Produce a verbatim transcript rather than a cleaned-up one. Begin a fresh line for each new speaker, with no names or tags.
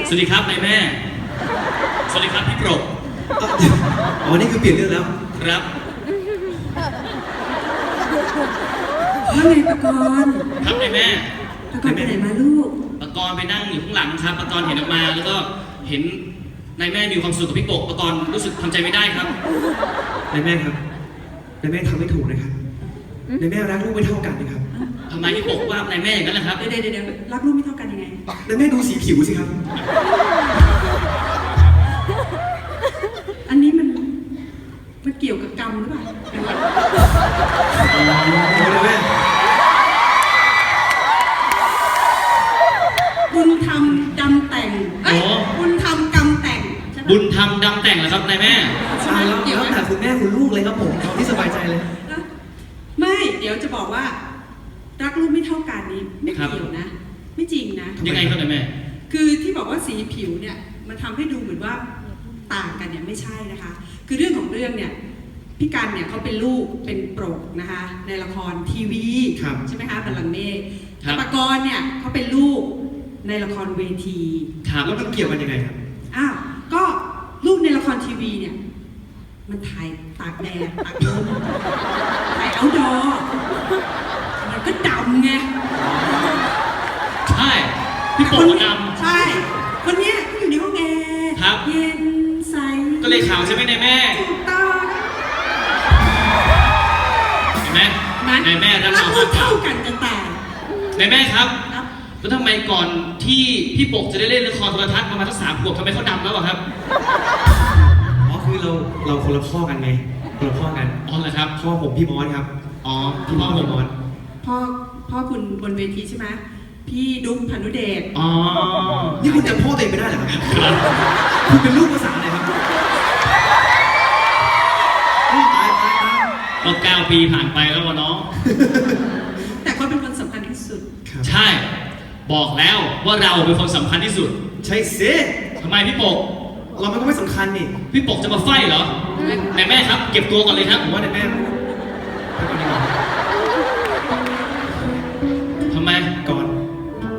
สวัสดีครับนายแม่สวัสดีครับพี่โปรด
อ๋อนี่คือเปลี่ยนเรื่องแล้ว
ครับ
ว่าไงปะกรณ์
ครับนายแม่
ปะกรณ์ไปไหนมาลูก
ปะกรณ์ไปนั่งอยู่ข้างหลังครับปะกรณ์เห็นออกมาแล้วก็เห็นนายแม่มีความสุขกับพี่โปกปะกรณ์รู้สึกทำใจไม่ได้ครับ
นายแม่ครับนายแม่ทำไม่ถูกนะครับนายแม่รักลูกไม่เท่ากันนะครับ
ทำไมพี่โปกว่านายแม่อย่างนั้นล่ะครับ
เดี๋ยวเดี๋ยวเดี๋ยวรักลูกไม่เท่ากันยังไง
นายแม่ดูสีผิวสิครับ
อันนี้มันมันเกี่ยวกับกรรมหรือเปล่าบุญธรรมดำแต่งเอ้ยบุญธรรมกรรมแต่ง
บุญธรรมดำแต่งเหรอครับนายแม่
ใช่แล้วแล้วแต่คุณแม่คุณลูกเลยครับผมเอาที่สบายใจเลย
ไม่เดี๋ยวจะบอกว่ารักลูกไม่เท่ากันนี้ไม่เกี่ยวนะไม่จริงนะ
ยังไงครับนายแม่
คือที่บอกว่าสีผิวเนี่ยมันทำให้ดูเหมือนว่าต่างกันเนี่ยไม่ใช่นะคะคือเรื่องของเรื่องเนี่ยพี่กันเนี่ยเขาเป็นลูกเป็นโปรกนะคะในละครทีวีใช่ไหมคะบัลลังก์เมฆปกรณ์เนี่ยเขาเป็นลูกในละครเวที
แล้วมันเกี่ยวกันยังไงครับ
อ้าวก็ลูกในละครทีวีเนี่ยมันถ่ายตากแดดตากลมถ่ายเอาท์ดอร์มันก็ดำไง
ใช่พี่โปกดำ
ใช่คนเนี้ยก็อยู่ในห้องแอร์เย็นใส
ก็เลยขาวใช่ไหมนายแม่
ถูกต้อง
เห็นไหมนายแม่รักเรา
เท่ากันจะแต่
นายแม่ครับแล้วทำไมก่อนที่พี่โปกจะได้เล่นละครโทรทัศน์ประมาณสักสามขวบทำไมเขาดำแล้วอะครับ
อ๋อคือเราเราคนละพ่อกันไงคนละพ่อกัน
อ๋อเหรอครับ
พ่อผมพี่มอสครับ
อ๋อ
พี่มอสพี่มอส
พ่อพ่อคุณบนเวทีใช่ไหมพี่ดุ๊กพานุเดช
อ๋อ
นี่คุณจำพ่อตัวเองไม่ได้เหรอครับคุณเป็นลูกภาษาอะไรครับตายตายตาย
ก็เก้าปีผ่านไปแล้ววะน้อง
แต่เขาเป็นคนสำคัญที่สุด
ใช่บอกแล้วว่าเราเป็นคนสำคัญที่สุด
ใช่สิ
ทำไมพี่โปก
เรามันก็ไม่สำคัญนี่
พี่โปกจะมาไฟเหรอนายแม่ครับเก็บตัวก่อนเลยครับ
ผมว่านายแม่ไปก่อนดีกว่า